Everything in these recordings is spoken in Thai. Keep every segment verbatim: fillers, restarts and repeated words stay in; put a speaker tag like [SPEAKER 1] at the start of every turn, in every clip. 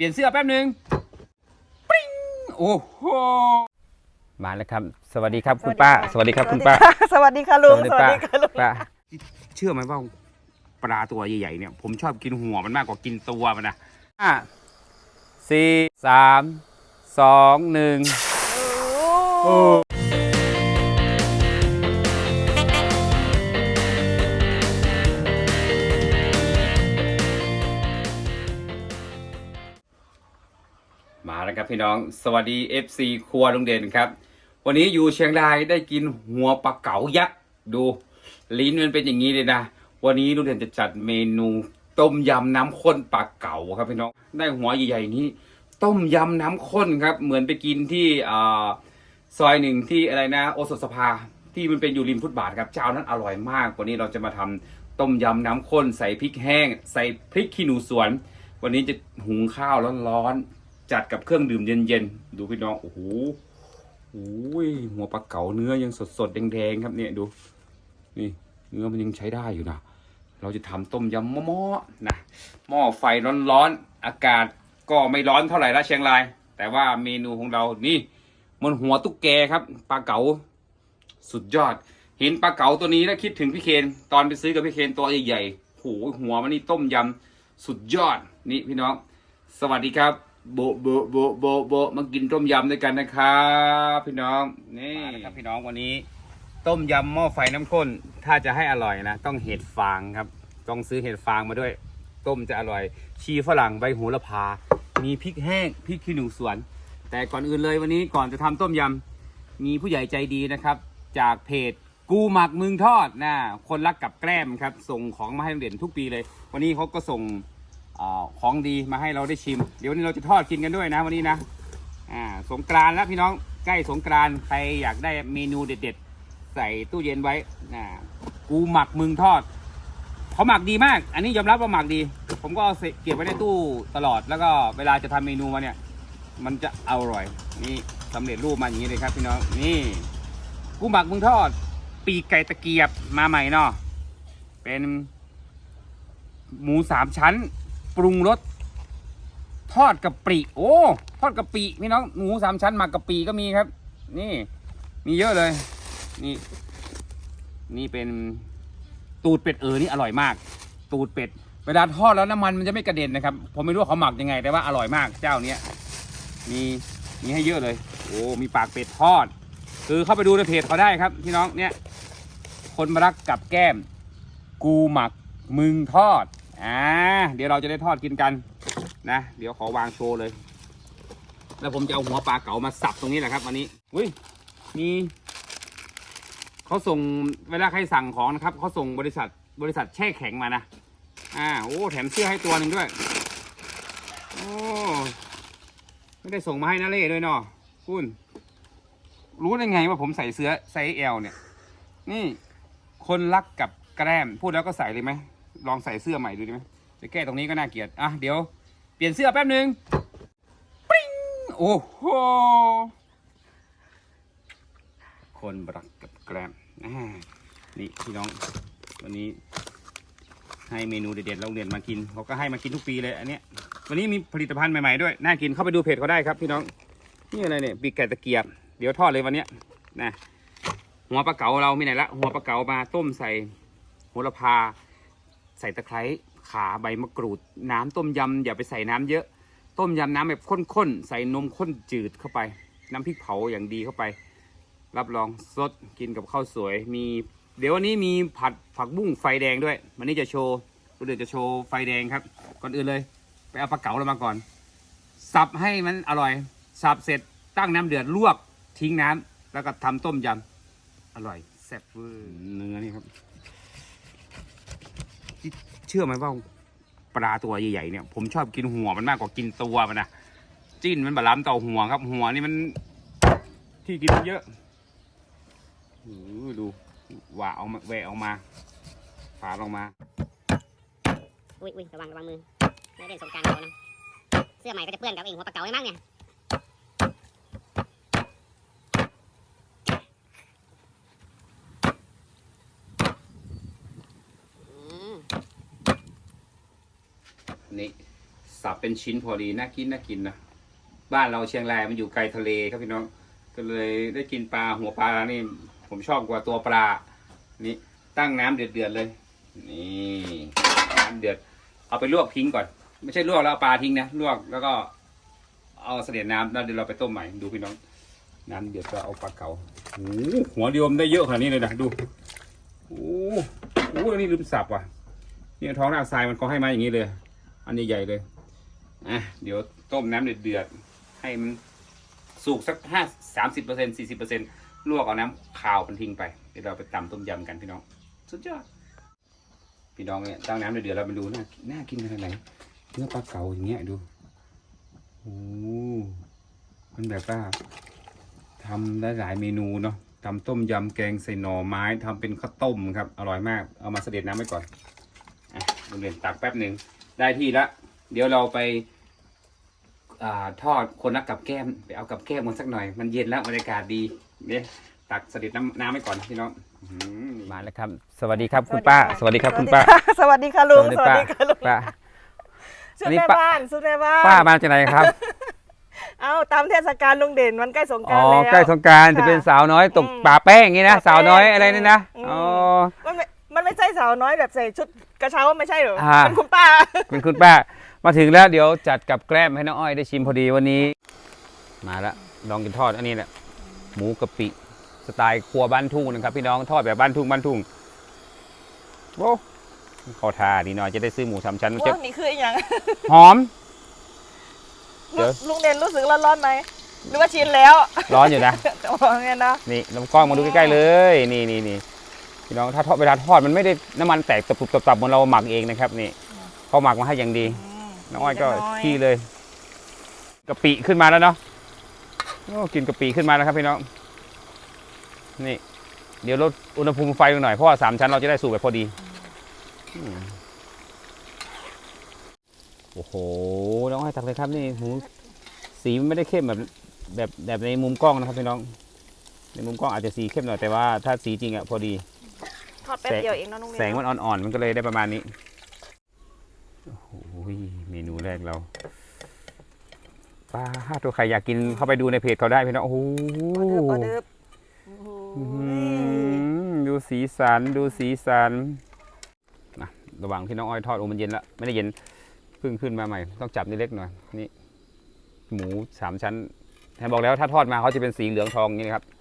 [SPEAKER 1] ลี่ยนเสื้อแป๊บนึงปริ้งโอ้โหมาแล้วครับสวัสดีครับคุณป้าสวัสดีครับคุณป้า
[SPEAKER 2] สวัสดีค่ะลุงสวัสดีค่ะลุง
[SPEAKER 1] ป้าเชื่อไหมว่าปลาตัวใหญ่ๆเนี่ยผมชอบกินหัวมันมากกว่ากินตัวมันนะห้าสี่สามสองหนึ่งโอ้มาแล้วครับพี่น้องสวัสดี เอฟ ซี ครัวลุงเด่นครับวันนี้อยู่เชียงรายได้กินหัวปลาเก๋ายักษ์ดูลิ้นมันเป็นอย่างนี้เลยนะวันนี้ลุงเด่นจะจัดเมนูต้มยำน้ำข้นปลาเก๋าครับพี่น้องได้หัวใหญ่ๆนี้ต้มยำน้ำข้นครับเหมือนไปกินที่อ่าซอยหนึ่งที่อะไรนะโอสถสภาที่มันเป็นอยู่ริมฟุตบาทครับเจ้านั้นอร่อยมากวันนี้เราจะมาทำต้มยำน้ำข้นใส่พริกแห้งใส่พริกขี้หนูสวนวันนี้จะหุงข้าวร้อนๆจัดกับเครื่องดื่มเย็นๆดูพี่น้องโอ้โหโอ้ยหัวปลาเก๋าเนื้อยังสดๆแดงๆครับเนี่ยดูนี่เนื้อมันยังใช้ได้อยู่นะเราจะทำต้มยำหม้อๆนะหม้อไฟร้อนๆอากาศก็ไม่ร้อนเท่าไหร่ละเชียงรายแต่ว่าเมนูของเรานี่มันหัวตุ๊กแกครับปลาเก๋าสุดยอดเห็นปลาเก๋าตัวนี้แล้วคิดถึงพี่เคนตอนไปซื้อกับพี่เคนตัวใหญ่ๆโหหัวมันนี่ต้มยำสุดยอดนี่พี่น้องสวัสดีครับโบโบโบโบโบมากินต้มยำด้วยกันนะครับพี่น้องนี่ครับพี่น้องวันนี้ต้มยำหม้อไฟน้ำข้นถ้าจะให้อร่อยนะต้องเห็ดฟางครับต้องซื้อเห็ดฟางมาด้วยต้มจะอร่อยชีฝรั่งใบโหระพามีพริกแห้งพริกขี้หนูสวนแต่ก่อนอื่นเลยวันนี้ก่อนจะทำต้มยำมีผู้ใหญ่ใจดีนะครับจากเพจกูหมักมึงทอดนะคนรักกับแกล้มครับส่งของมาให้เด่นทุกปีเลยวันนี้เขาก็ส่งอของดีมาให้เราได้ชิมเดี๋ยววันนี้เราจะทอดกินกันด้วยนะวันนี้นะอ่าสงกรานต์แล้วพี่น้องใกล้สงกรานต์ใครอยากได้เมนูเด็ดๆใส่ตู้เย็นไว้นะกูหมักมึงทอดเขาหมักดีมากอันนี้ยอมรับว่าหมักดีผมก็เก็บไว้ในตู้ตลอดแล้วก็เวลาจะทำเมนูมาเนี่ยมันจะอร่อยนี่สำเร็จรูปมาอย่างนี้เลยครับพี่น้องนี่กูหมักมึงทอดปีกไก่ตะเกียบมาใหม่เนาะเป็นหมูสามชั้นปรุงรสทอดกะปิโอ้ทอดกะปิพี่น้องหมูสามชั้นหมักกะปิก็มีครับนี่มีเยอะเลยนี่นี่เป็นตูดเป็ดเออนี่อร่อยมากตูดเป็ดเวลาทอดแล้วน้ำมันมันจะไม่กระเด็นนะครับผมไม่รู้เขาหมักยังไงแต่ว่าอร่อยมากเจ้าเนี้ยมีมีให้เยอะเลยโอ้มีปากเป็ดทอดคือเข้าไปดูในเพจเขาได้ครับพี่น้องเนี่ยคนมารักกับแก้มกูหมักมึงทอดอ่าเดี๋ยวเราจะได้ทอดกินกันนะเดี๋ยวขอวางโชว์เลยแล้วผมจะเอาหัวปลาเก๋ามาสับตรงนี้แหละครับวันนี้อุ้ยมีเขาส่งเวลาใครสั่งของนะครับเขาส่งบริษัทบริษัทแช่แข็งมานะอ่าโอ้แถมเสื้อให้ตัวหนึ่งด้วยโอ้ไม่ได้ส่งมาให้นาเล่ด้วยเนาะคุณรู้ได้ไงว่าผมใส่เสื้อไซส์ แอล เนี่ยนี่คนรักกับแกล้มพูดแล้วก็ใส่เลยไหมลองใส่เสื้อใหม่ดูดีไหมจะแก้ตรงนี้ก็น่าเกลียดอ่ะเดี๋ยวเปลี่ยนเสื้อแป๊บนึงปริ้งโอ้โหคนรักกับแกล้มนี่พี่น้องวันนี้ให้เมนูเด็ดๆเราเรียนมากินเขาก็ให้มากินทุกปีเลยอันเนี้ยวันนี้มีผลิตภัณฑ์ใหม่ๆด้วยน่ากินเข้าไปดูเพจเขาได้ครับพี่น้องนี่อะไรเนี่ยปีกไก่ตะเกียบเดี๋ยวทอดเลยวันเนี้ยนะหัวปลาเก๋าเรามีไหนละหัวปลาเก๋ามาต้มใส่โหระพาใส่ตะไคร้ข่าใบมะกรูดน้ำต้มยำอย่าไปใส่น้ำเยอะต้มยำน้ำแบบข้นๆใส่นมข้นจืดเข้าไปน้ำพริกเผาอย่างดีเข้าไปรับรองสดกินกับข้าวสวยมีเดี๋ยววันนี้มีผัดผักบุ้งไฟแดงด้วยวันนี้จะโชว์เดี๋ยวจะโชว์ไฟแดงครับก่อนอื่นเลยไปเอาปลาเก๋าเรามาก่อนสับให้มันอร่อยสับเสร็จตั้งน้ำเดือดลวกทิ้งน้ำแล้วก็ทำต้มยำอร่อยแซ่บเวอร์เนื้อนี่ครับเชื่อไหมว่าปลาตัวใหญ่ๆเนี่ยผมชอบกินหัวมันมากกว่ากินตัวมันนะจิ้นมันบะล้ำต่อหัวครับหัวนี่มันที่กินเยอะดูว่าเอามาแหวะออกมาฝาลงมา
[SPEAKER 3] อุ้ยอุ้ยระวังระวังมือไม่เล่นสงกรานต์เขานะเสื้อใหม่ก็จะเปื้อนกับเองหัวปลาเก๋าไม่มั้งเนี่ย
[SPEAKER 1] นี่สับเป็นชิ้นพอดีน่ากินน่ากินนะบ้านเราเชียงรายมันอยู่ไกลทะเลครับพี่น้องก็เลยได้กินปลาหัวปลานี่ผมชอบกว่าตัวปลานี่ตั้งน้ำเดือดๆเลยนี่น้ำเดือดเอาไปลวกทิ้งก่อนไม่ใช่ลวกแล้วเอาปลาทิ้งนะลวกแล้วก็เอาเสด็จน้ำแล้วเดี๋ยวเราไปต้มใหม่ดูพี่น้องน้ำเดือดก็เอาปลาเก๋าโอ้โหหัวเดียวมได้เยอะขนาดนี้เลยนะดูโอ้โหอันนี้ลืมสับว่ะนี่ท้องรากทรายมันก็ให้มาอย่างนี้เลยอันนี้ใหญ่เลยอ่ะเดี๋ยวต้มน้ำเดือดๆให้มันสุกสักห้าสามสิบเปอร์เซ็นต์สี่สิบเปอร์เซ็นต์ลวกเอาน้ำขาวมันทิ้งไปเดี๋ยวเราไปตำต้มยำกันพี่น้องสุดยอดพี่น้องเนี่ยตั้งน้ำเดือดๆเราไปดูน่าน่ากินขนาดไหนเนื้อปลาเก๋าอย่างเงี้ยดูโอ้มันแบบว่าทำได้หลายเมนูเนาะทำต้มยำแกงใส่หน่อไม้ทำเป็นข้าวต้มครับอร่อยมากเอามาเสด็จน้ำไว้ก่อนอ่ะโรงเรียนตักแป๊บหนึ่งได้ที่ละเดี๋ยวเราไปอ่าทอดคนละกับแก้มไปเอากับแก้มมันสักหน่อยมันเย็นแล้วบรรยากาศดีเนี่ยตักเสด็จน้ำน้ำไว้ก่อนพี่น้องมาแล้วครับสวัสดีครับคุณป้าสวัสดีครับคุณป้า
[SPEAKER 2] สวัสดีค่ะลุงสวัสดีค่ะลุง
[SPEAKER 1] ป้า
[SPEAKER 2] ชุดแม่บ้านชุดแม่บ้าน
[SPEAKER 1] ป้ามาจากไหนครับ
[SPEAKER 2] เอาตามเทศกาลลุงเด่นวันใกล้สงก
[SPEAKER 1] อ๋
[SPEAKER 2] รา
[SPEAKER 1] อน
[SPEAKER 2] ต์แล้ว
[SPEAKER 1] ใกล้สงกรานต์จะเป็นสาวน้อยตก
[SPEAKER 2] อืม
[SPEAKER 1] ป่าแป้งอย่างนี้นะ
[SPEAKER 2] ป่าแป้ง
[SPEAKER 1] สาวน้อยอะไรนี่นะ
[SPEAKER 2] อืม
[SPEAKER 1] อ๋อ
[SPEAKER 2] มันไม่มันไม่ใช่สาวน้อยแบบใส่ชุดกระเช้าไม่ใช่เหรอ
[SPEAKER 1] อ่า
[SPEAKER 2] เป็นคุณป้า
[SPEAKER 1] เป็นคุณป้ามาถึงแล้วเดี๋ยวจัดกับแกล้มให้น้องอ้อยได้ชิมพอดีวันนี้ มาแล้วลองกินทอดอันนี้แหละหมูกะปิสไตล์ครัวบ้านทุ่งนะครับพี่น้องทอดแบบบ้านทุ่งบ้านทุ่งโอ้ขอทาดีหน่อยจะได้ซื้อหมูสามชั้นมันจะ
[SPEAKER 2] ว่านี่คืออีกอย่าง
[SPEAKER 1] หอม เดี๋ยว
[SPEAKER 2] ลุงเด่นรู้สึกร้อนๆไหมหรือว่าชินแล้ว
[SPEAKER 1] ร้อนอยู่นะ
[SPEAKER 2] โอ้เนี่ยนะ
[SPEAKER 1] นี่ลำกล้องมาดูใกล้ๆเลย นี่นี่นี่พี่น้องถ้าทอดเวลาทอดมันไม่ได้น้ำมันแตกตับๆตับๆเหมือนเราหมักเองนะครับนี่เขาหมักมาให้อย่างดี
[SPEAKER 2] อืม
[SPEAKER 1] น้องอ้อยก็
[SPEAKER 2] เล็น้
[SPEAKER 1] ขี้เลยกะปิขึ้นมาแล้วเนาะโอ้กินกะปิขึ้นมาแล้วครับพี่น้องนี่เดี๋ยวลดอุณหภูมิไฟลงหน่อยเพราะว่าสามชั้นเราจะได้สูบแบบพอดีอืมโอ้โหน้องอ้อยตักเลยครับนี่หมูสีมันไม่ได้เข้มแบบแบบแบบในมุมกล้องนะครับพี่น้องในมุมกล้องอาจจะสีเข้มหน่อยแต่ว่าถ้าสีจริงอะพอดี
[SPEAKER 2] ทอดแป๊บเดียวเองเนาะลุงเด่น
[SPEAKER 1] แสงมันอ่อนๆมันก็เลยได้ประมาณนี้โอ้โหเมนูแรกเราปลาห้าตัวใครอยากกินเข้าไปดูในเพจเขาได้พี่น้องโอ้โห
[SPEAKER 2] ออเดิร์ฟโอ้โห
[SPEAKER 1] อื้อหือดูสีสันดูสีสันนะระหว่างที่น้องอ้อยทอดโอ้มันเย็นละไม่ได้เย็นเพิ่งขึ้นมาใหม่ต้องจับนิดเล็กหน่อยนี่หมูสามชั้นแทนบอกแล้วถ้าทอดมาเขาจะเป็นสีเหลืองทองอย่างนี้นะครับ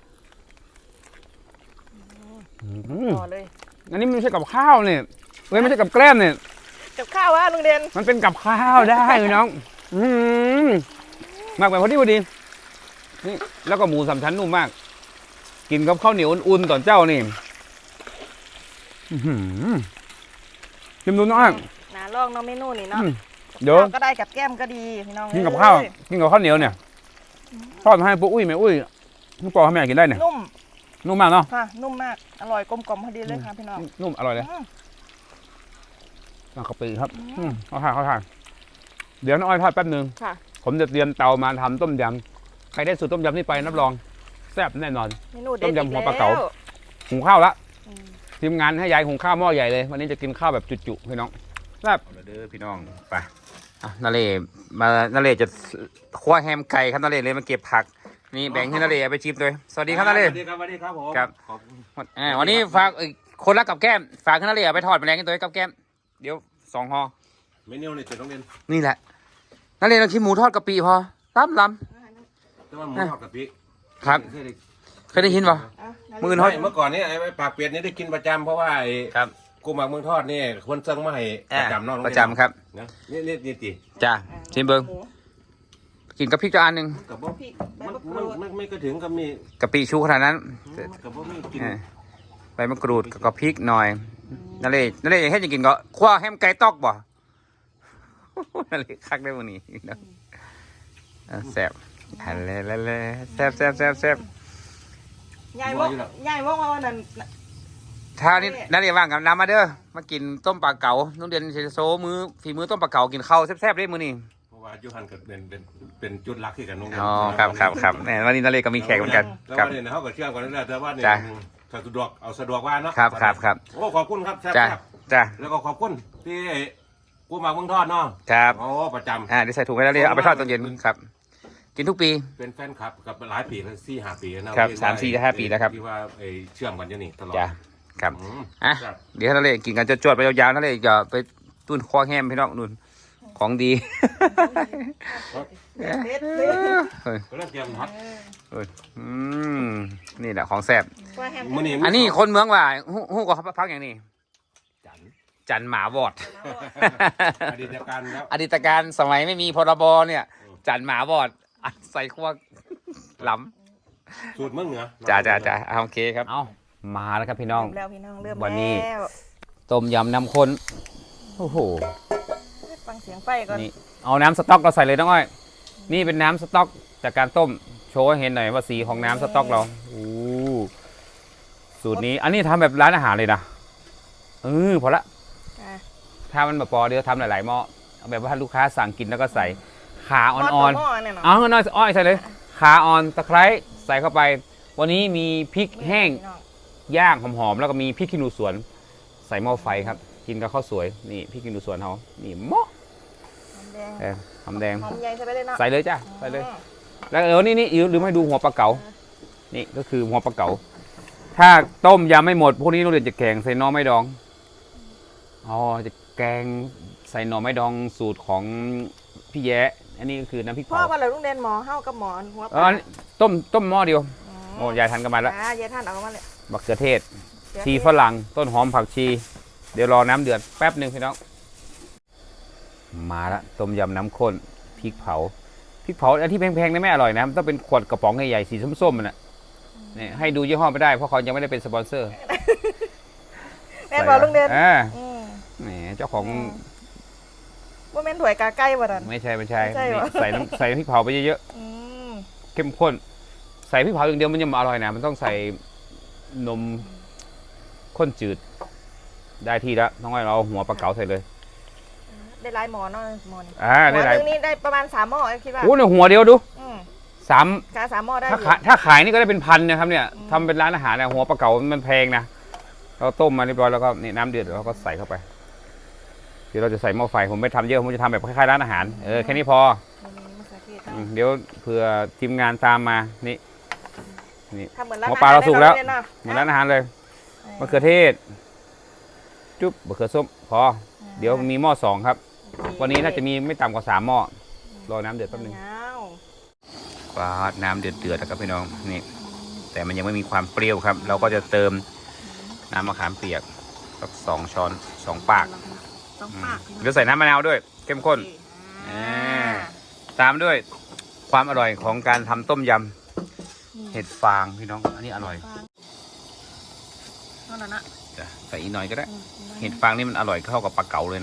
[SPEAKER 1] อืม
[SPEAKER 2] ต่อเลย
[SPEAKER 1] อันนี้ไม่ใช่กับข้าวเนี่ยเว้ยไม่ใช่กับแกล้มเนี่ย
[SPEAKER 2] กับข้าววะลุงเด่น
[SPEAKER 1] มันเป็นกับข้าวได้พี่น้อง อืมมากไปพอดีพอดี นี่แล้วก็หมูสามชั้นนุ่มมาก กินกับข้าวเหนียวอุ่นๆตอนเจ้านี่ชิมดูน้อง
[SPEAKER 2] น่าลองเนาะเมนูนี่เนาะ
[SPEAKER 1] อืมเดี๋ยว
[SPEAKER 2] ข้าวก็ได้กับแก้มก็ดีพี่น้อง
[SPEAKER 1] กินกับข้าว กินกับข้าวเหนียวเนี่ย ทอดมาให้ปุ๊อุ้ยแม่อุ้ยน้องปอให้แม่กินได้เนี่ย
[SPEAKER 2] นุ่ม
[SPEAKER 1] นุ่มมากเนาะ
[SPEAKER 2] ค่ะนุ่มมากอร่อยกลมกล่อมพอดีเลยค่ะพี่น้อง
[SPEAKER 1] นุ่มอร่อยเลย
[SPEAKER 2] อืม
[SPEAKER 1] เอากะปิครับ
[SPEAKER 2] อืม
[SPEAKER 1] อืมเอาทานเอาทานเดี๋ยวน้องอ้อยทอดแป๊บหนึง
[SPEAKER 2] ค่ะ
[SPEAKER 1] ผมจะเตรียมเตามาทำต้มยำใครได้สูตรต้มยำนี่ไปรับรองแซ่บแน่นอน
[SPEAKER 2] เมนูเด็ด
[SPEAKER 1] ต้มยำ
[SPEAKER 2] อีก
[SPEAKER 1] หัว
[SPEAKER 2] แล้
[SPEAKER 1] ปลาเก๋า หุงข้าวละ
[SPEAKER 2] อืม
[SPEAKER 1] ทีมงานให้ยายหุงข้าวหม้อใหญ่เลย วันนี้จะกินข้าวแบบจุๆพี่น้องแซ่บเด้อพี่น้องไปอ่ะนาเล่มานาเล่จะคว้าแฮมไก่ครับนาเล่เลยมาเก็บผักนี่แบ่งให้นาเล่เอาไปชิมเลยสวัสดีครับนาเล่
[SPEAKER 4] สวัสดีครับสวัสดีครับผม
[SPEAKER 1] ครับ
[SPEAKER 4] ขอบคุณ
[SPEAKER 1] อ่าวันนี้ฝากเอ่อคนละกับแก้มฝากให้นาเล่เอาไปทอดแมลงกันตัวให้กับแก้มเดี๋ยวสองห่อ
[SPEAKER 4] เมนูนี่จะต้องเรียน
[SPEAKER 1] นี่แหละนาเล่เราคิดหมูทอดกะปิพอล้ำล้
[SPEAKER 4] แต่ว่าหมูทอดกะปิ
[SPEAKER 1] ำครับ
[SPEAKER 4] เคยได้
[SPEAKER 1] เคยได้ยินป่ะ
[SPEAKER 2] อ่ะ
[SPEAKER 1] มือ
[SPEAKER 4] ไม่เมื่อก่อนนี่ไอ้ปากเป็ดนี่ได้กินประจำเพราะว่าไอ้
[SPEAKER 1] ครับ
[SPEAKER 4] กูหมักเมืองทอดนี่คนเซิงมาให้ประจำเนอก
[SPEAKER 1] ประจำครับ
[SPEAKER 4] นะนี่นี่นี่ตี
[SPEAKER 1] จ้าชิมเบิ้ง
[SPEAKER 2] หมู
[SPEAKER 1] กินกับพริกจานหนึ่ง
[SPEAKER 4] กับบ่
[SPEAKER 2] พริกใบ
[SPEAKER 4] มัน
[SPEAKER 2] มะก
[SPEAKER 4] มั
[SPEAKER 2] รู
[SPEAKER 4] น
[SPEAKER 2] ด
[SPEAKER 4] ไม่ไม่ก็ถึงกับมี
[SPEAKER 1] กะปิชูขนาดนั้น
[SPEAKER 4] กับบ่มีกิน
[SPEAKER 1] เออใบมะกรูดกับพริกหน่อยนั่นเลยนั่นเลยให้จะกินก็คว้าแฮมไก่ตอกบ่ นั่นเลยคักได้วันนี้เนาะเออแซ่บฮัลโหลฮัลโหลแซ่บแซ่บแซ่บแซ่บ
[SPEAKER 2] ยายบอกยายบอกว่าวันนั้น
[SPEAKER 1] ถ้านี่นั่นเลยว่างกับน้ำมาเด้อมากินต้มปลาเก๋านุ่นเดือนเชโซมือฝีมือต้มปลาเก๋ากินข้าวแซ่บๆได้มื้อนี้
[SPEAKER 4] เพราะว่ายูฮันก็เป็นเป็นเป็นจุดหลักที่กันน้อง
[SPEAKER 1] อ๋อครับครับครับแหมวันนี้นั่นเลยก็มีแขกเหมือนกัน
[SPEAKER 4] แล้ว
[SPEAKER 1] ครับ
[SPEAKER 4] ว่าเนี่ยเขาก็เชื่อมกันนั่นแหละแต่ว่าเนี่ย
[SPEAKER 1] จ้ะ
[SPEAKER 4] ถ้าสะดวกเอาสะดวกว่าเนาะ
[SPEAKER 1] ครับครับครับ
[SPEAKER 4] โอ้ขอบคุณครับแซ่บ
[SPEAKER 1] จ้า
[SPEAKER 4] ครับ
[SPEAKER 1] จ้า
[SPEAKER 4] แล้วก็ขอบคุณที่กูหมักเมืองทอดเนาะ
[SPEAKER 1] ครับ
[SPEAKER 4] โอ้ประจำ
[SPEAKER 1] อ่าเดี๋ยวใส่ถุงไว้แล้วเรียกเอาไปทอดตอนเย็นครับ กินทุกปี
[SPEAKER 4] เป็นแฟนคลับกับหลายปีแล้วสี่ห้าปีแล้วนะครับ
[SPEAKER 1] สามสี่ห้าปีแล้วครับ
[SPEAKER 4] ที่ว่าไอ้เชื่อมกันอยู่นี่ตลอด
[SPEAKER 1] จ้ะครับ
[SPEAKER 4] อืม
[SPEAKER 1] อ่ะ
[SPEAKER 4] ครับ
[SPEAKER 1] เดี๋ยวนั่นเลยกินกันจะจวดๆไปยาวๆนั่นเลยอย่าไปตุ้นคอแห้มพี่น้องนุ่นของดี
[SPEAKER 2] เด็ดเด็ด
[SPEAKER 1] เฮ้ย
[SPEAKER 4] ก็เริ่มเตรียมพัด
[SPEAKER 1] เฮ้ยอืมนี่แหละของแซ่บ
[SPEAKER 2] ว่าแฮม
[SPEAKER 4] มื้อนี้
[SPEAKER 1] อันนี้คนเมืองว่าฮู้ฮู้ก็พักอย่างนี้
[SPEAKER 4] จันทร์
[SPEAKER 1] จันหมาวอด
[SPEAKER 4] อดีตการแล้ว
[SPEAKER 1] อดีตการสมัยไม่มีพรบเนี่ย จันหมาวอดอัดใส่ขั้วล้
[SPEAKER 4] สูตรเมืองเหนือ
[SPEAKER 1] ำจ้าจ้าจ้าโอเคครับเอามาแล้วครับพี่น้อง
[SPEAKER 2] เริ่มแล้วพี่น้องเริ่ม
[SPEAKER 1] วันนี้
[SPEAKER 2] แล้ว
[SPEAKER 1] ต้มยำน้ำข้นโอ้โห
[SPEAKER 2] ฟังเสียงไฟก่อน
[SPEAKER 1] นี่เอาน้ำสต๊อกเราใส่เลยน้องอ้อย นี่เป็นน้ำสต๊อกจากการต้มโชว์ให้เห็นหน่อยว่าสีของน้ำสต๊อกเราโอ้สูตรนี้อันนี้ทำแบบร้านอาหารเลยนะเออพอละ
[SPEAKER 2] อ่ะ
[SPEAKER 1] ถ้ามันแบบพอเดี๋ยวทำหลายๆหม้อเอาแบบว่าลูกค้าสั่งกินแล้วก็ใส่ขา
[SPEAKER 2] หม้
[SPEAKER 1] อ่อน
[SPEAKER 2] ต่หม้เนี่ยเนาะ
[SPEAKER 1] ๆเอาเงินน้อยอ้อยใส่เลยขาอ่อนตะไคร้ใส่เข้าไป วันนี้มีพริกแห้ง
[SPEAKER 2] พี่น้อง
[SPEAKER 1] ย่างหอมๆแล้วก็มีพริกขี้หนูสวนใส่หม้อไฟครับ กินกับข้าวสวยนี่พริกขี้หนูสวนเขานี่หม้อ
[SPEAKER 2] หอมแดง
[SPEAKER 1] เออหอมแดง
[SPEAKER 2] หอมใหญ่ใส่ไปเลยเนาะ
[SPEAKER 1] ใส่เลยจ้ะใส่เลย
[SPEAKER 2] อืม
[SPEAKER 1] แล้วเออนี่นี่ลืมให้ดูหัวปลาเก๋านี่ก็คือหัวปลาเก๋าถ้าต้มยังไม่หมดพวกนี้เราเรียนจะแกงใส่หน่อไม้ดองอ๋อจะแกงใส่หน่อไม้ดองสูตรของพี่แย้อันนี้ก็คือน้ำพริก
[SPEAKER 2] พ่อ
[SPEAKER 1] เผา
[SPEAKER 2] ว่าเราลุงเด่นหมอเฮากับหมอนหัว
[SPEAKER 1] เอออันนี้ต้มต้มหม้อเดียวโอ้ยายทันกันมาแล้ว
[SPEAKER 2] อ่ายายท่านเอามาเลย
[SPEAKER 1] บักเขือเทศ
[SPEAKER 2] เดี๋ยว
[SPEAKER 1] ชีฝรั่งต้นหอมผักชี เดี๋ยวรอน้ำเดือดแป๊บหนึ่งพี่น้องมาละต้มยำน้ำข้นพริกเผาพริกเผาอันที่แพงๆนี่ไม่อร่อยนะมันต้องเป็นขวดกระป๋องใหญ่ๆสีส้มๆมันน่ะนี่ให้ดูยี่ห้อไม่ได้เพราะเขายังไม่ได้เป็นสปอนเซอร์
[SPEAKER 2] แม่นบอกลุงเด่น
[SPEAKER 1] อ่า
[SPEAKER 2] อืม
[SPEAKER 1] แหมเจ้าของ
[SPEAKER 2] ว่าแม่นถวยกาใกล้บ่ดัน
[SPEAKER 1] ไม่ใช่ไม่ใช่
[SPEAKER 2] ไม่ใช่เหรอ
[SPEAKER 1] นี่ใส่น้ำใส่พริกเผาไปเยอะ
[SPEAKER 2] อืม
[SPEAKER 1] ๆเข้มข้น ใส่พริกเผาอย่างเดียวมันยังไม่อร่อยนะมันต้องใส่นมข้นจืด ได้ที่แล้วน้องอ้อยเราเอาหัวปลาเก๋าใส่เลย
[SPEAKER 2] ได้หลายหมอเนาะหมอนี่
[SPEAKER 1] อ่า
[SPEAKER 2] หม
[SPEAKER 1] ได้
[SPEAKER 2] อ
[SPEAKER 1] หลาย
[SPEAKER 2] หนึงนี่ได้ประมาณสามหม้อคิดว่า
[SPEAKER 1] โอ้เนี่ยหัวเดียวดู
[SPEAKER 2] อืม
[SPEAKER 1] สาม
[SPEAKER 2] กาสามหม้อได้อ
[SPEAKER 1] ถ้า
[SPEAKER 2] ยู่
[SPEAKER 1] ขายถ้าขายนี่ก็ได้เป็นพันนะครับเนี่ย
[SPEAKER 2] อืม
[SPEAKER 1] ทำเป็นร้านอาหารนะหัวปลาเก๋ามันแพงนะเราต้มมาเรียบร้อยแล้วก็นี่น้ำเดือดเราก็ใส่เข้าไปเดี๋ยวเราจะใส่หม้อไฟผมไม่ทำเยอะผมจะทำแบบคล้ายๆร้านอาหารเออแค่นี้พอ
[SPEAKER 2] มีมะเขือเทศ
[SPEAKER 1] อืมเดี๋ยวเผื่อทีมงานตามมานี่นี่
[SPEAKER 2] ทำเหมือนร้าน
[SPEAKER 1] หมอปลาเราสุกแล้ว
[SPEAKER 2] ได้เนาะ
[SPEAKER 1] เหมือนร้านอาหารเลยมะเขือเทศจุ๊บมะเขือส้มพอเดี๋ยวมีหม้อสองครับ วันนี้น่าจะมีไม่ต่ำกว่าสามหม้อรอน้ำเดือดแป๊บนึง
[SPEAKER 2] ยาว
[SPEAKER 1] ปลาน้ำเดือดเดือดนะครับพี่น้องนี่แต่มันยังไม่มีความเปรี้ยวครับ เราก็จะเติมน้ำมะขามเปียกสักสองช้อนสองปาก
[SPEAKER 2] ต้อง
[SPEAKER 1] อืม
[SPEAKER 2] ปาก
[SPEAKER 1] เดี๋ยวใส่น้ำมะนาวด้วย เข้มข้น
[SPEAKER 2] อ่า
[SPEAKER 1] ตามด้วยความอร่อยของการทำต้มยำเห็ดฟางพี่น้องอันนี้อร่อย
[SPEAKER 2] เท่านั้นนะ
[SPEAKER 1] จ้ะใส่อีกหน่อยก็ได้
[SPEAKER 2] อืม
[SPEAKER 1] เห็ดฟางนี่มันอร่อยเข้ากับปลาเก๋าเลยนะ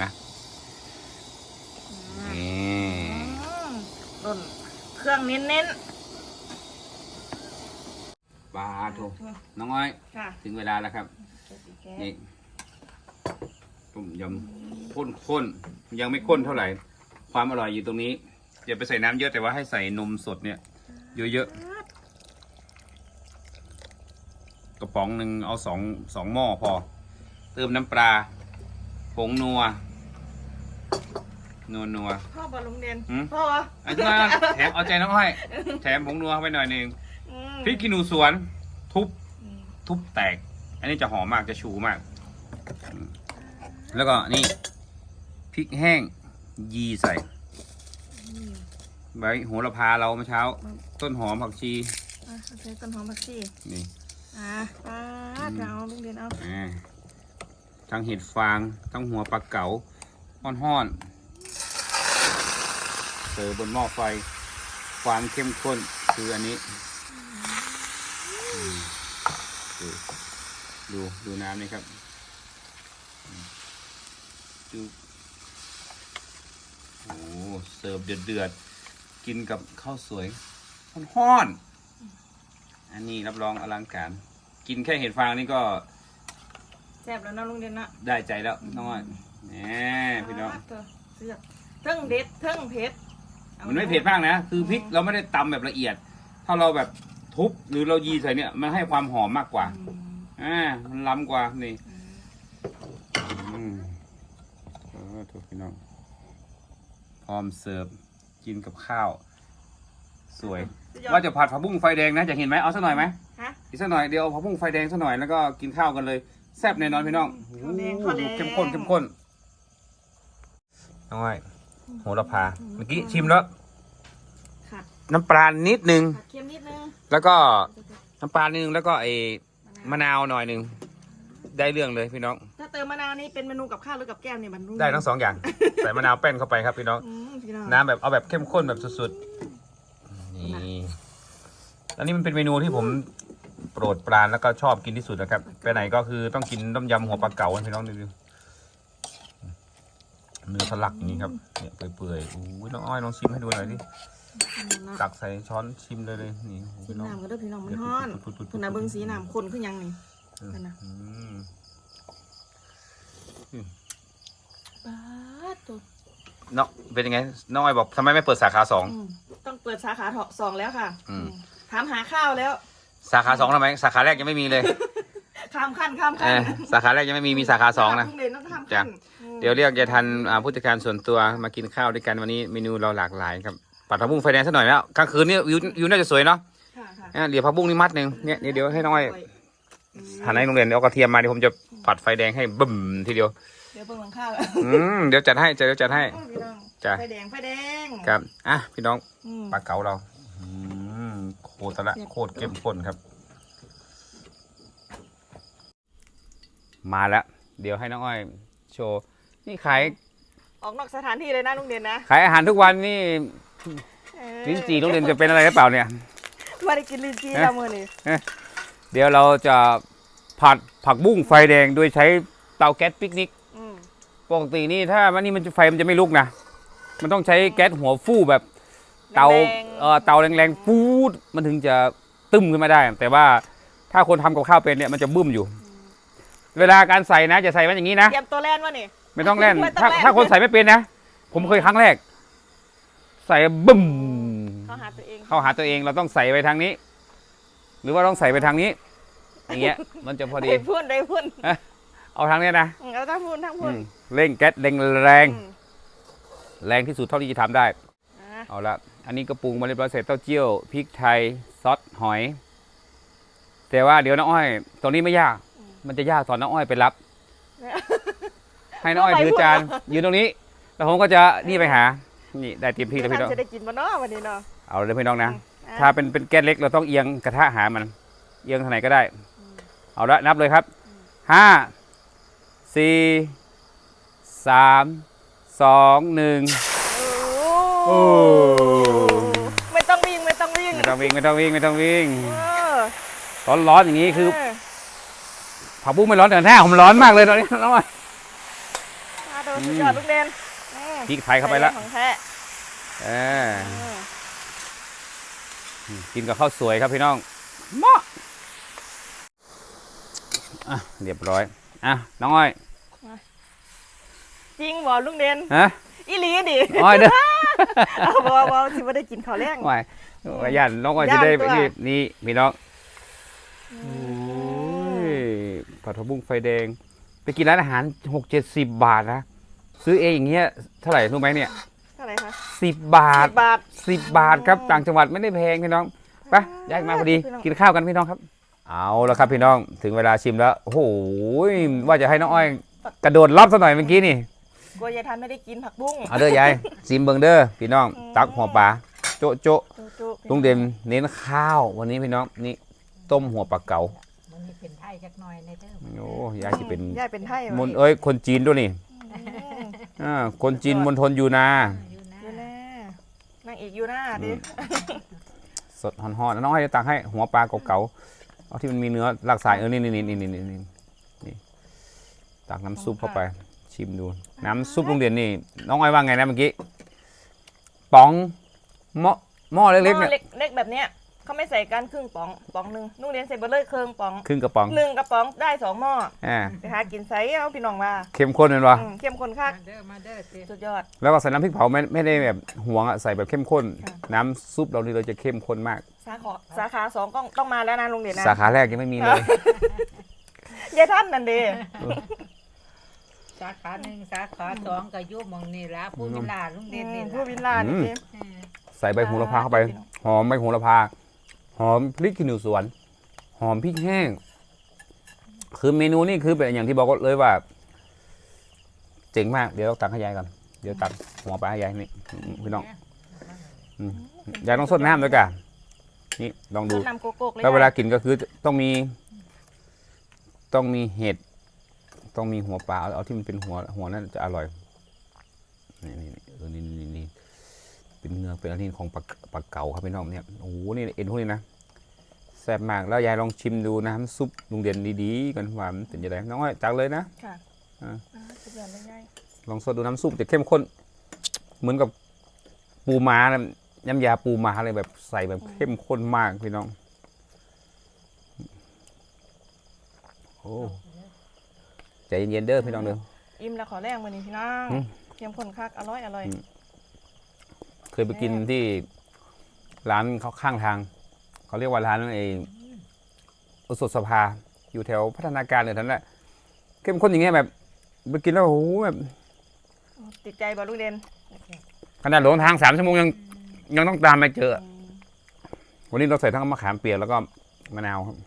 [SPEAKER 2] อืม
[SPEAKER 1] นี่
[SPEAKER 2] อืมต้นเครื่องเน้น
[SPEAKER 1] ปลาทูน้องอ้อย
[SPEAKER 2] ๆค่ะ
[SPEAKER 1] ถึงเวลาแล้วครับนี่ต้มยำข้นข้นๆยังไม่ข้นเท่าไหร่ ความอร่อยอยู่ตรงนี้อย่าไปใส่น้ำเยอะแต่ว่าให้ใส่นมสดเนี่ยเยอะๆกระป๋องหนึ่งเอาสองสองหม้อพอ เติมน้ำปลาผงนัวนัวนัว
[SPEAKER 2] พ่อบอลลุงเด่น
[SPEAKER 1] หืม
[SPEAKER 2] พ่อ
[SPEAKER 1] อันนี้มาแถมเอาใจน้องอ้อยแถมผงนัวเข้าไปหน่อยหนึ่ง
[SPEAKER 2] อืม
[SPEAKER 1] พริกขี้หนูสวนทุบ
[SPEAKER 2] อืม
[SPEAKER 1] ทุบแตก อันนี้จะหอมมากจะชูมากอืมแล้วก็นี่พริกแห้งยีใส่ใบโหระพาเราเมื่อเช้า ต้นหอมผักชี
[SPEAKER 2] อ่ะใช้ต้นหอมผักชี
[SPEAKER 1] นี่
[SPEAKER 2] อ่ะปาดเอาลุงเด่นเอา
[SPEAKER 1] อ่าทั้งเห็ดฟางทั้งหัวปลาเก๋าห้อนๆเสิร์ฟบนหม้อไฟ ความเข้มข้นคืออันนี้อืมดูดูดูน้ำนี่ครับอืมดูโอ้เสิร์ฟเดือดๆกินกับข้าวสวยห้อนๆอันนี้รับรองอลังการ กินแค่เห็ดฟางนี่ก็
[SPEAKER 2] แซ่บแล้วเนาะลุงเด่นนะ
[SPEAKER 1] ได้ใจแล้วน้องอ้อยแหมพี่น้อง
[SPEAKER 2] าดเถะเสือกเทิงเด็ดเทิงเผ็ดอา
[SPEAKER 1] มันไม่เผ็ดมากนะ คือพริกเราไม่ได้ตำแบบละเอียด ถ้าเราแบบทุบหรือเรายีใส่เนี่ยมันให้ความหอมมากกว่า
[SPEAKER 2] อืม
[SPEAKER 1] อ่ามันล้ำกว่านี่อืมเออถูกพี่น้องพร้อมเสิร์ฟกินกับข้าว สวย
[SPEAKER 2] สุดยอด
[SPEAKER 1] ว่าจะผัดผักบุ้งไฟแดงนะจะเห็นไหมเอาสักหน่อยไหม
[SPEAKER 2] ฮะ
[SPEAKER 1] อีกสักหน่อยเดี๋ยวเอาผักบุ้งไฟแดงสักหน่อยแล้วก็กินข้าวกันเลยแซ่บแน่นอนพี่น้อง
[SPEAKER 2] ข้าวแดงข้าวแดง
[SPEAKER 1] เข้มข้นเข้มข้นน้องอ้อยโหระพาเมื่อกี้ชิมแล้ว
[SPEAKER 2] ค่ะ
[SPEAKER 1] น้ำปลานิดนึง
[SPEAKER 2] ผัดเค็มนิดนึง
[SPEAKER 1] แล้วก็น้ำปลานิดนึงแล้วก็ไอ้มะนาวหน่อยหนึ่งได้เรื่องเลยพี่น้อง
[SPEAKER 2] ถ้าเติมมะนาวนี่เป็นเมนูกับข้าวหรือกับแก้มเนี่ยมันรู้
[SPEAKER 1] ได้ทั้งสองอย่าง ใส่มะนาวแป้นเข้าไปครับพี่น้อง
[SPEAKER 2] อืมพี่น้อง
[SPEAKER 1] น้ำแบบเอาแบบเข้มข้นแบบสุดๆนี่อันนี้มันเป็นเมนูที่ผมโปรดปรานแล้วก็ชอบกินที่สุดนะครับไปไหนก็คือต้องกินต้มยำหัวปลาเก๋าพี่น้องดูเนื้อทะลักอย่างนี้ครับเนี่ยเปื่อยๆอู้ยน้องอ้อยลองชิมให้ดูหน่อยดิตักใส่ช้อนชิมเลยเลยนี่
[SPEAKER 2] ชิมน้ำก็ได้พี่น้องมันฮ้อนคุณน่ะเบิ้งสีน้ำคนขึ้นยังนี่กันนะ
[SPEAKER 1] อืม
[SPEAKER 2] ป้าดตัว
[SPEAKER 1] เนาะเป็นยังไงน้องอ้อยบอกทำไมไม่เปิดสาขาสอง
[SPEAKER 2] อืมต้องเปิดสาขาสองแล้วค่ะ
[SPEAKER 1] อืม
[SPEAKER 2] ถามหาข้าวแล้ว
[SPEAKER 1] สาขาสองทำไมสาขาแรกยังไม่มีเลย
[SPEAKER 2] ข้ามขั้นข้าม
[SPEAKER 1] เอ
[SPEAKER 2] ขั้น
[SPEAKER 1] อสาขาแรกยังไม่มีมีสาขาสองนะ
[SPEAKER 2] ทุกเด่นต้องข้าม
[SPEAKER 1] จ้ะ
[SPEAKER 2] ขั้นอืม
[SPEAKER 1] เดี๋ยวเรียกยายทันอ่าผู้จัดการส่วนตัวมากินข้าวด้วยกันวันนี้เมนูเราหลากหลายครับผัดผักบุ้งไฟแดงสักหน่อยแล้วกลางคืนนี่วิววิวน่าจะสวยเนาะ
[SPEAKER 2] ค่ะค่ะ
[SPEAKER 1] อ่ะเดี๋ยวผักบุ้งนี่มัดหนึ่งเนี่ยเดี๋ยวเดี๋ยวให้น้องอ้อย
[SPEAKER 2] อืม
[SPEAKER 1] หั่นให้โรงเรียนเอากระเทียมมาเดี๋ยวผมจะผัดไฟแดงให้บึ้มทีเดียว
[SPEAKER 2] เดี๋ยวเบิ่งหลังข้าว
[SPEAKER 1] อืมเดี๋ยวจัดให้เดี๋ยวจัดให้
[SPEAKER 2] พี่น้อง
[SPEAKER 1] จ้ะ
[SPEAKER 2] ไฟแดงไฟแดง
[SPEAKER 1] ครับอ่ะพี่น้อง
[SPEAKER 2] อืม
[SPEAKER 1] ปลาเก๋าเราอืมโคตรละโคตรเข้มข้นครับ มาแล้วเดี๋ยวให้น้องอ้อยโชว์นี่ขาย
[SPEAKER 2] ออกนอกสถานที่เลยนะลุงเด่นนะ
[SPEAKER 1] ขายอาหารทุกวันนี่
[SPEAKER 2] เออ
[SPEAKER 1] ลิ้นจี่โรงเรียนจะเป็นอะไรหรือเปล่าเนี่ย
[SPEAKER 2] มาได้กินลิ้นจี่
[SPEAKER 1] เอ๊ะ
[SPEAKER 2] แล้วมื้อนี้
[SPEAKER 1] เดี๋ยวเราจะผัดผักบุ้งไฟแดงโดยใช้เตาแก๊สปิกนิก
[SPEAKER 2] อืม
[SPEAKER 1] ปกตินี่ถ้ามันนี่มันจะไฟมันจะไม่ลุกนะ มันต้องใช้แก๊สหัวฟู่แบบ เตา
[SPEAKER 2] แรงๆ
[SPEAKER 1] เอ่อเตาแรงๆฟูดมันถึงจะตึ้มขึ้นมาได้ แต่ว่าถ้าคนทำกับข้าวเป็นเนี่ยมันจะบึ้มอยู่ เวลาการใส่นะจะใส่มันอย่างนี้นะ
[SPEAKER 2] เตรียมตัวแล่นวะนี่
[SPEAKER 1] ไม่ต้องแล่น
[SPEAKER 2] ไม่ต้อง
[SPEAKER 1] ถ้า
[SPEAKER 2] แล่น
[SPEAKER 1] ถ้าคนใส่ไม่เป็นนะ ผมเคยครั้งแรก ใส่บึ้ม
[SPEAKER 2] เข้าหาตัวเอง
[SPEAKER 1] เข้าหาตัวเองเราต้องใส่ไปทางนี้ หรือว่าต้องใส่ไปทางนี้ อย่างเงี้ย มันจะพอดี
[SPEAKER 2] ได้พุ่นได้พุ่น
[SPEAKER 1] เอาทางนี้นะ
[SPEAKER 2] อืมเอาทั้งพุ่นทั้งพุ่น
[SPEAKER 1] อืมเร่งแก๊สแรงแรง
[SPEAKER 2] อืม
[SPEAKER 1] แรงที่สุดเท่าที่จะทำได้
[SPEAKER 2] อ่ะ
[SPEAKER 1] เอาละอันนี้ก็ปรุงมาเรียบร้อยเสร็จเต้าเจี้ยวพริกไทยซอสหอย แต่ว่าเดี๋ยวน้องอ้อยตรงนี้ไม่ยาก มันจะยากตอนน้องอ้อยไปรับ ให้น้องอ้อยถือจานยืนตรงนี้ แล้วผมก็จะนี่ไปหา นี่ได้เต็มที่แล้วพี่น้อง
[SPEAKER 2] ท่านจะได้กินบ่เนาะวันนี้เนาะ
[SPEAKER 1] เอาเลยพี่น้องนะ
[SPEAKER 2] อ่ะ
[SPEAKER 1] ถ้าเป็นเป็นแก๊สเล็กเราต้องเอียงกระทะหามัน เอียงทางไหนก็ได้ เอาละนับเลยครับห้าสี่สามสองหนึ่ง
[SPEAKER 2] โอ้ไม่ต้องวิ่งไม่ต้องวิ่ง
[SPEAKER 1] ไม่ต้องวิ่งไม่ต้องวิ่งไม่ต้องวิ่ง
[SPEAKER 2] เออ
[SPEAKER 1] ร้อนร้อนอย่างนี้คือ
[SPEAKER 2] เออ
[SPEAKER 1] ผักบุ้งไม่ร้อนแต่หน้าผมร้อนมากเลยตอนนี้น้องอ้อย
[SPEAKER 2] มาดูสุดยอดลูกเด่นอืม
[SPEAKER 1] พริกไทยเข้าไปแล้ว
[SPEAKER 2] ของแท้
[SPEAKER 1] เออ
[SPEAKER 2] เออ
[SPEAKER 1] กินกับข้าวสวยครับพี่น้องเหมาะอ่ะเรียบร้อยอ่ะน้องอ้อย
[SPEAKER 2] จริงบ่ลุงเด่น
[SPEAKER 1] ฮะ
[SPEAKER 2] อีหลีดิ
[SPEAKER 1] อ้อยเด้อ
[SPEAKER 2] เอาบ่บ่สิบ่ได้กินข้าวแรง
[SPEAKER 1] อ้อยว่าย่านน้องอ้อยจะได้ไป
[SPEAKER 2] ย่านตัว
[SPEAKER 1] ที่นี่พี่น้องโอ้ยผัดผักบุ้งไฟแดง ไปกินร้านอาหารหกเจ็ดสิบบาทนะซื้อเองอย่างเงี้ยเท่าไหร่รู้ไหมเนี่ย
[SPEAKER 2] เท่าไหร่คะ
[SPEAKER 1] สิบบาท
[SPEAKER 2] สิบบาท
[SPEAKER 1] สิบบาทครับต่างจังหวัดไม่ได้แพงพี่น้องไปย้ายมาพอดี
[SPEAKER 2] พี่น้อง
[SPEAKER 1] กินข้าวกันพี่น้องครับ เอาแล้วครับพี่น้องถึงเวลาชิมแล้วโอ้โหว่าจะให้น้องอ้อยกระโดดรอบสักหน่อยเมื่อกี้นี่
[SPEAKER 2] กลัวยายทันไม่ได้กินผักบุ้ง
[SPEAKER 1] เอาเด้อยายซิมเบิงเด้อพี่น้อง
[SPEAKER 2] อืม
[SPEAKER 1] ตักหัวปลาโจะโจะ
[SPEAKER 2] จุ๊ๆ
[SPEAKER 1] ลุงเด่นเน้นข้าววันนี้พี่น้องนี่ต้มหัวปลาเก๋า
[SPEAKER 5] มันมีเป็นไทยจักหน่อยในเด้อ
[SPEAKER 1] โอ้ยายจะเป็น
[SPEAKER 2] ยายเป็นไทย
[SPEAKER 1] มนเอ้ยคนจีนด้วยนี่
[SPEAKER 2] อืม
[SPEAKER 1] อ่าคนจีนมณฑลยูนา
[SPEAKER 5] อยู่นะ
[SPEAKER 2] อยู่หน้านางเอกอยู่หน้าดิ
[SPEAKER 1] สดห่อนๆน้องให้จะตักให้หัวปลาเก๋าๆเอาที่มันมีเนื้อหลากสายเออนี่นี่นี่นี่นี่นี่นี่ตักน้ำซุปเข้าไปชิมดูน้ำซุปลุงเด่นนี่น้องอ้อยว่าไงนะเมื่อกี้ป๋องหม้อหม้อเล็กๆ
[SPEAKER 2] หม้
[SPEAKER 1] เนี่
[SPEAKER 2] อย เล็กๆแบบเนี้ยเขาไม่ใส่กันครึ่งป๋องป๋องหนึ่งนุ่งเรียนใส่เบอร์เลยครึ่งป๋อง
[SPEAKER 1] ครึ่งกระป๋อง
[SPEAKER 2] หนึ่งกระป๋องได้สองหม้อ
[SPEAKER 1] อ่า
[SPEAKER 2] ไปหากินไซเอาพี่น้องว่า
[SPEAKER 1] เข้มข้นเลยว่ะ
[SPEAKER 2] อืมเข้มข้นคัก
[SPEAKER 5] มาเด้อมาเด้อเต้
[SPEAKER 2] สุดยอด
[SPEAKER 1] แล้วก็ใส่น้ำพริกเผาไม่ไม่ได้แบบหวงอะใส่แบบเข้มข้น
[SPEAKER 2] ค่ะ
[SPEAKER 1] น้ำซุปเรานี่เราจะเข้มข้นมาก
[SPEAKER 2] สาขาสาขาสองต้องต้องมาแล้วนะลุงเด่นนะ
[SPEAKER 1] สาขาแรกยังไม่มีเลย
[SPEAKER 2] ยายท่านนั่นเด้
[SPEAKER 5] สาขาหนึ่งสาขาสองก็อยู่หมองนี่ละผู้วิลาลุงเด่นนี่
[SPEAKER 2] ผู้
[SPEAKER 5] ละ
[SPEAKER 2] วิลล่านี่เจ๊
[SPEAKER 5] เออ
[SPEAKER 1] ใส่ใบโหระพาเข้าไป หอมใบโหระพา หอมพริกขี้หนูสวน หอมพริกแห้ง คือเมนูนี่คือเป็นอย่างที่บอกเลยว่า เจ๋งมาก เดี๋ยวตักให้ยายก่อน เดี๋ยวตักหัวปลาให้ยายนี่พี่น้องอืมยายต้องสดน้ำด้วยกันนี่ลองดู
[SPEAKER 2] น้ำโกโก้เลย
[SPEAKER 1] แล้วเวลากินก็คือต้องมี ต้องมีเห็ด ต้องมีหัวปลาเอาเอาที่มันเป็นหัวหัวนั่นจะอร่อย นี่นี่นี่เออนี่นี่นี่เป็นเนื้อเป็นอะไรของปลาปลาเก๋าครับพี่น้องเนี่ยโอ้โหนี่เอ็นพวกนี้นะแซ่บมากแล้วยายลองชิมดูน้ำซุปลุงเด่นดีๆกันว่ามันเป็นยังไงน้องอ้อยจักเลยนะ
[SPEAKER 2] ค่ะ
[SPEAKER 1] อ่า
[SPEAKER 2] อ่าสุดยอดเลยยาย
[SPEAKER 1] ลองสดดูน้ำซุปจะเข้มข้น เหมือนกับปูม้านะน้ำยาปูม้าเลยแบบใส่แบบเข้มข้นมากพี่น้องโอ้ใจเย็นๆเด้อพี่น้องเด้อ
[SPEAKER 2] อิ่มแล้วขอแรงมื้อนี้พี่น้อง
[SPEAKER 1] อืม
[SPEAKER 2] เตรียมคนคักอร่อยอร่อย
[SPEAKER 1] อืม เคยไปกินที่ร้านเขาข้างทาง เขาเรียกว่าร้านไอ้อุสดสภาอยู่แถวพัฒนาการเลยท่านแหละเข้มข้นอย่างเงี้ยแบบไปกินแล้วโอ้โหแบบ
[SPEAKER 2] ติดใจบ่ลูกเด่น
[SPEAKER 1] ขนาดหลงทางสามชั่วโมงยังยังต้องตามไปเจอ วันนี้เราใส่ทั้งมะขามเปียกแล้วก็มะนาวครับ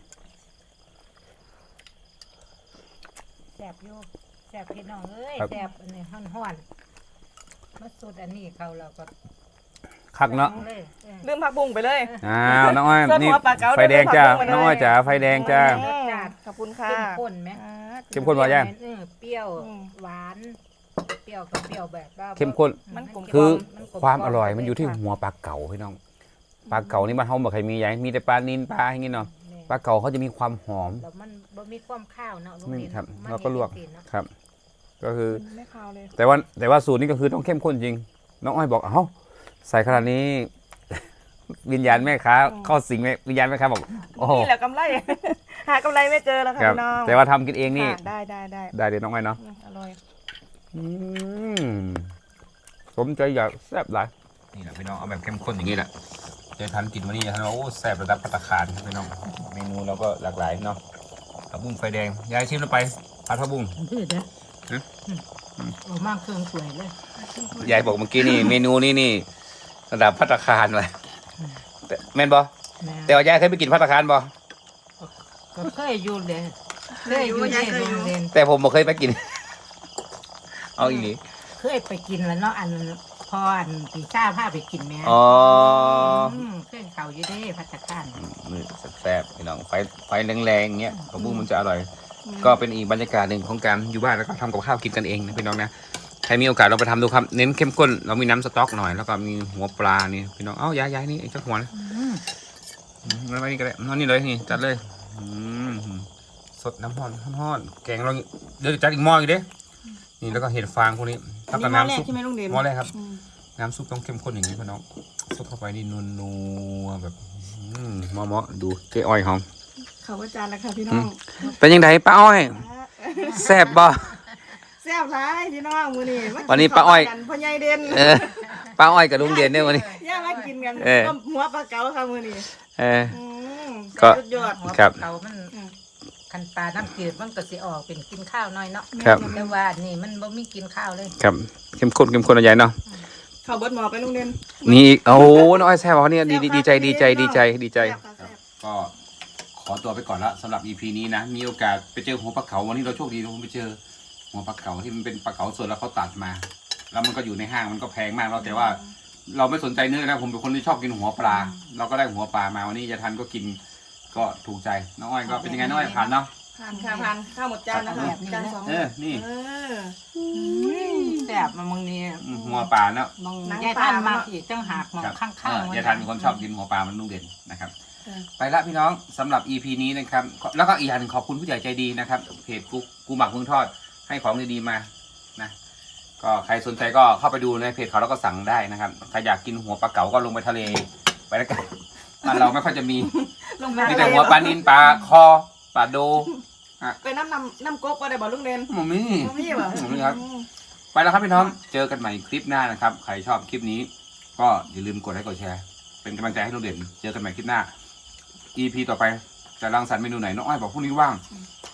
[SPEAKER 5] แซ่บอยู่แซ่บพี่น้องเอ้ย
[SPEAKER 1] ครับ
[SPEAKER 5] แซ่บอันนี้ฮ้อนๆมาสุดอันนี้เขาเราก็
[SPEAKER 1] คักเนาะ
[SPEAKER 5] เลยเออ
[SPEAKER 2] ลืมผักบุ้งไปเลย
[SPEAKER 1] อ้าวน้องอ้อย
[SPEAKER 2] ส่วน
[SPEAKER 1] นี่
[SPEAKER 2] หัวปลาเก๋า
[SPEAKER 1] ไฟแดงจ้า
[SPEAKER 2] เดินเข้ามาเลย
[SPEAKER 1] น้องอ้อยจ๋าไฟแดงจ้า
[SPEAKER 5] รสชาติ
[SPEAKER 2] ขอบคุณค่ะ
[SPEAKER 5] เข้มข้นไหม
[SPEAKER 2] อ่า
[SPEAKER 1] เข้มข้นพอยัง
[SPEAKER 5] เออเปรี้ยว
[SPEAKER 2] อืม
[SPEAKER 5] หวาน เปรี้ยวกับเปรี้ยวแบบว่า
[SPEAKER 1] เข้มข้น
[SPEAKER 2] มันกลม
[SPEAKER 1] คือ
[SPEAKER 5] มันกล
[SPEAKER 1] ความอร่อยมันอยู่ที่หัวปลาเก๋าพี่น้องปลาเก๋านี่บ้านเฮาบ่เคยมีใหญ่มีแต่ปลานิลปลาอย่างงี้เนาะ
[SPEAKER 5] แม่
[SPEAKER 1] ปลาเก๋าเขาจะมีความหอม
[SPEAKER 5] แล้วมันบ่มีความข้าวเนาะลูก
[SPEAKER 1] ไม่
[SPEAKER 5] เด่น
[SPEAKER 1] ครับ
[SPEAKER 5] มัน
[SPEAKER 1] เราก็ลวก
[SPEAKER 5] มีเนาะ
[SPEAKER 1] ครับ ก็คือ
[SPEAKER 2] ไม่คาวเลย
[SPEAKER 1] แต่ว่าแต่ว่าสูตรนี้ก็คือต้องเข้มข้นจริง น้องอ้อยบอกเอ้าใส่ขนาดนี้ วิญญาณแม่ค้าเข้าสิงแม่วิญญาณแม่ค้าบอกโอ้โห
[SPEAKER 2] นี่แหละกำไร หากำไรไม่เจอแล้วค่ะ
[SPEAKER 1] ครับ
[SPEAKER 2] พี่น้อง
[SPEAKER 1] แต่ว่าทำกินเองนี่
[SPEAKER 2] ค่ะได้ได้ได้
[SPEAKER 1] ได้เดี๋ยวน้องอ้อยเนาะ
[SPEAKER 2] อืมอร่อย
[SPEAKER 1] อืมสมใจอยากแซ่บหลายนี่แหละพี่น้องเอาแบบเข้มข้นอย่างนี้แหละจะทันกินวันนี้จะทันว่าโอ้แซ่บระดับภัตตาคารพี่น้องเมนูเราก็หลากหลายเนาะผักบุ้งไฟแดงยายชิมลงไปผัดผักบุ้ง
[SPEAKER 5] ดื้อเด้อ
[SPEAKER 1] ฮะ
[SPEAKER 5] อืมโอ้มากเครื่องสวยเลย
[SPEAKER 1] ยายบอกเมื่อกี้นี่ เมนูนี้นี่ระดับภัตตาคารเลยแต่แม่นบอ
[SPEAKER 5] แม่
[SPEAKER 1] แต่ว่ายายเคยไปกินภัตตาคารบอ
[SPEAKER 5] ก็เคยอยู่เลยเคยอยู่
[SPEAKER 2] เคยอยู่
[SPEAKER 5] ในโรงเรียน
[SPEAKER 1] แต่ผมบ่เคยไปกิน เอาอีหลี
[SPEAKER 5] เคยไปกินแล้วเนาะอันพออันปีซ่าพาไปกินแม่
[SPEAKER 1] อ๋อ
[SPEAKER 5] มเครื่องเขาอยู่เด้พัตตาคาร
[SPEAKER 1] มือแซ่บๆพี่น้องไฟไฟแรงๆอย่างเงี้ยผักบุ้งมันจะอร่อย ก็เป็นอีกบรรยากาศหนึ่งของการอยู่บ้านแล้วก็ทำกับข้าวกินกันเองนะพี่น้องนะใครมีโอกาสลองไปทำดูครับเน้นเข้มข้นเรามีน้ำสต๊อกหน่อยแล้วก็มีหัวปลานี่พี่น้องเอ้าย้ายย้ายนี่ไอ้เจ้าหัวนะ
[SPEAKER 5] อืม
[SPEAKER 1] อืมไม่นี่ก็ได้นอนนี่เลยนี่จัดเลยอืมสดน้ำห้อนห้อนๆแกงเราเดี๋ยวจัดอีกหม้ออีกเด้นี่แล้วก็เห็ดฟางพวกนี้
[SPEAKER 2] อัน
[SPEAKER 1] แล้ว
[SPEAKER 2] นี้
[SPEAKER 1] ก็
[SPEAKER 2] หม้อแร
[SPEAKER 1] น้ำ
[SPEAKER 2] ก
[SPEAKER 1] ซุป
[SPEAKER 2] ใช่ไหมลุงเด่น
[SPEAKER 1] หม้อแรกครับ
[SPEAKER 2] อืม
[SPEAKER 1] น้ำซุปต้องเข้มข้นอย่างนี้พี่น้องซุปเข้าไปนี่นัวๆแบบอืมเหมาะๆดูเจ๊อ้อยหอม
[SPEAKER 2] เขาว่าจานแล้วค่ะพี่น้อง
[SPEAKER 1] เป็นยังไงป้าอ้อยแซ่บบ่
[SPEAKER 2] แซ่บร้ายพี่น้องมื้อนี้ม
[SPEAKER 1] วันนี้ป้าอ้อย
[SPEAKER 2] กันพ่อใหญ่เด่น
[SPEAKER 1] เออป้าอ้อยกับลุงเด่นเนี่ยวันนี้
[SPEAKER 2] ย่ามากินกัน
[SPEAKER 1] เออ
[SPEAKER 2] ต้มหัวปลาเก๋าค่ะมื้อนี้
[SPEAKER 1] เออ
[SPEAKER 2] อืม
[SPEAKER 1] ก็
[SPEAKER 2] สุดยอด
[SPEAKER 5] หัว
[SPEAKER 1] ครับ
[SPEAKER 5] เก่ามันคันปลาน้ำจืดมันก็สิออกเป็นกินข้าวน้อยเนาะ
[SPEAKER 1] ครับ
[SPEAKER 5] แต่ว่านี่มันบ่มีกินข้าวเลย
[SPEAKER 1] ครับเข้มข้นเข้มข้นอะไรเนาะ
[SPEAKER 2] เขาเบิดหมอไปลุงเด่น
[SPEAKER 1] นี่อีกโอ้โหน้องอ้อยแซ่บเหรอเนี่ยดีดีดีใจดีใจดีใจดีใจ
[SPEAKER 2] แซ่บค่ะแซ่บ
[SPEAKER 1] ก็ขอตัวไปก่อนละสำหรับ อี พี นี้นะ มีโอกาสไปเจอหัวปลาเก๋าวันนี้เราโชคดีเราไปเจอหัวปลาเก๋าที่มันเป็นปลาเก๋าสดแล้วเขาตัดมา แล้วมันก็อยู่ในห้างมันก็แพงมากเราแต่ว่า เราไม่สนใจเนื้อนะผมเป็นคนที่ชอบกินหัวปลา เราก็ได้หัวปลามาวันนี้ยายทันก็กินก็ถูกใจน้องอ้อยก็เป็นยังไงน้องอ้อยผ่านเนาะ
[SPEAKER 2] ผ่านค่ะผ่านข้าวหมดจานนะคะจานสอง
[SPEAKER 1] เออนี่
[SPEAKER 2] เออ
[SPEAKER 5] แซ่บมามึงนี่
[SPEAKER 1] อืมหัวปลาเนาะ
[SPEAKER 5] มึง
[SPEAKER 2] หนัง
[SPEAKER 5] ยาย
[SPEAKER 2] ปลา
[SPEAKER 5] ท่าน
[SPEAKER 2] มา
[SPEAKER 5] มาอีกจังหากมอง
[SPEAKER 1] ครับ
[SPEAKER 5] ข้าง
[SPEAKER 1] เออ
[SPEAKER 5] ๆ
[SPEAKER 1] ยายทันเป็นคนชอบกินหัวปลามันนุ่งเด่นนะครับ
[SPEAKER 2] เออ
[SPEAKER 1] ไปละพี่น้องสำหรับ อี พี นี้นะครับแล้วก็อีกอย่างหนึ่งขอบคุณผู้ใหญ่ใจดีนะครับเพจกูกูหมักเมืองทอดให้ของดีๆมานะก็ใครสนใจก็เข้าไปดูในเพจเขาแล้วก็สั่งได้นะครับใครอยากกินหัวปลาเก๋าก็ลงไปทะเลไปแล้วกันบ้านเราไม่ค่อยจะมี
[SPEAKER 2] ลง
[SPEAKER 1] มีแต่หัวปลานิลปลาคอปลาโด
[SPEAKER 2] ไปน้ำน้ำน้ำก๊กก็ได้บ่ลุงเด่น
[SPEAKER 1] หมูมี่
[SPEAKER 2] บ่มีเหรอ
[SPEAKER 1] หมูมี่ครับไปแล้วครับพี่น้องเจอกันใหม่คลิปหน้านะครับใครชอบคลิปนี้ ก็อย่าลืมกดไลค์กดแชร์ เป็นกำลังใจให้ลุงเด่นเจอกันใหม่คลิปหน้า อี พี ต่อไปจะรังสรรค์เมนูไหนน้องอ้อยบอกพรุ่งนี้ว่าง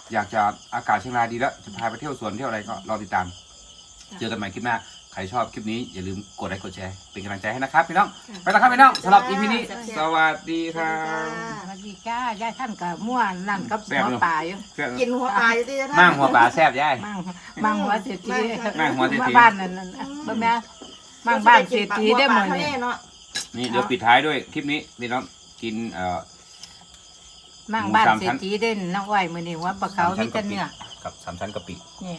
[SPEAKER 1] อยากจะอากาศเชียงรายดีแล้วจะพาไปเที่ยวสวนเที่ยวอะไรก็รอติดตาม เจอกันใหม่คลิปหน้าใครชอบคลิปนี้อย่าลืมกดไลค์กดแชร์เป็นกำลังใจให้นะครับพี่น้องไปแล้วครับพี่น้องสำหรับ อี พี นี้สวัสดีครับ
[SPEAKER 5] สวัสดีจ้ายายท่านกับม่วนนั่นกับ
[SPEAKER 1] แซ่บ
[SPEAKER 5] หัว
[SPEAKER 1] อยู่
[SPEAKER 5] ป่าอยู่
[SPEAKER 2] กินหัวปลาอยู่ที่จะ
[SPEAKER 1] มั่งหัวปลาแซ่บย่าย
[SPEAKER 5] มั่งมั่งหัวเศรษฐี
[SPEAKER 1] มั่งหัวเศรษฐี
[SPEAKER 5] บ้านนั่นนั่นบ่แม่มั่งบ้านเศรษฐีได้หมด
[SPEAKER 2] ทะเล
[SPEAKER 5] เนี่ย
[SPEAKER 2] เนาะ
[SPEAKER 1] นี่เดี๋ยวปิดท้ายด้วยคลิปนี้พี่น้องกินเอ่อ
[SPEAKER 5] มั่งบ้านเศรษฐีได้น้องอ้อยมื้อนี้ว่าปลาเขามีแต่เนื้อ
[SPEAKER 1] กับสามชั้นกะปิ
[SPEAKER 5] เนี่ย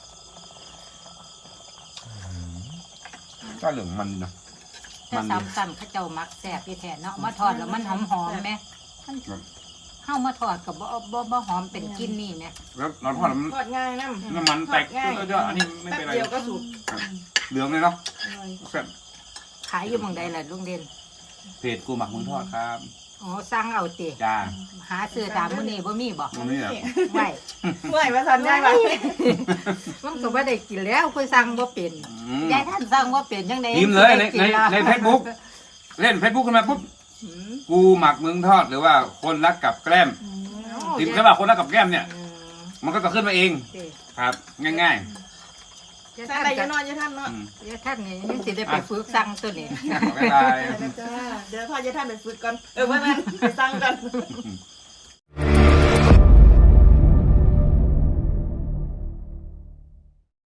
[SPEAKER 1] ก็เหลืองมันเนาะ
[SPEAKER 5] ถ้าซ้ำซ้ำเขาเจ้ามักแซ่บที่แท้เนาะมาทอดแล้วมันหอมหอมไหมเข้ามาทอดกับบ่บ่บ่หอมเป็นกลินนี่ไหม
[SPEAKER 1] แล้วเราทอดแล้วมัน
[SPEAKER 2] ทอดง่ายน้ำ
[SPEAKER 1] น้ำมันแตกเยอะๆอันนี้ไม่
[SPEAKER 2] แป๊
[SPEAKER 1] เป็น
[SPEAKER 2] บ
[SPEAKER 1] ไร
[SPEAKER 2] เดียวก็สุก
[SPEAKER 1] เหลืองเลยเนาะแซ่บ
[SPEAKER 5] ขายอยู่เมืองใดล่ะลุงเด่น
[SPEAKER 1] เพจกูหมักมึงทอดครับ
[SPEAKER 5] อ๋อสั่งเอาติ
[SPEAKER 1] จ้า
[SPEAKER 5] หาซื้อตามมื้อนี้บ่มีบ่
[SPEAKER 1] ตรงนี้อ่ะ
[SPEAKER 5] ไว้
[SPEAKER 2] เมื่อยมาสันได้ไหม
[SPEAKER 5] มันก็บ่ได้กินแล้วคุยสั่งบ่เป็น
[SPEAKER 1] อืม
[SPEAKER 5] ยายท่านสั่งบ่เป็นจังได๋
[SPEAKER 1] พิมพ์เลยในในในเฟซบุ๊กเล่นเฟซบุ๊กขึ้นมาปุ๊บกูหมักมึงทอดหรือว่าคนรักกับแกล้มพิมพ์แค่ว่าคนรักกับแกล้มเนี่ย มันก็จะขึ้นมาเองครับ ง่าย
[SPEAKER 5] ยาย
[SPEAKER 2] ท่า
[SPEAKER 5] ท่าน น
[SPEAKER 2] ใด
[SPEAKER 5] ก็
[SPEAKER 2] จะนอนจะท่านเนาะ
[SPEAKER 1] ๆอืม
[SPEAKER 5] ยายท่านนี่ยังสิได้ไปฝึกสั่งตัวนี้
[SPEAKER 1] บ๊ายบาย
[SPEAKER 2] จ้าเดี๋ยวพ่อจะท่านไปฝึกก่อนเออเพื่อนไปสั่งก่อน
[SPEAKER 1] อืม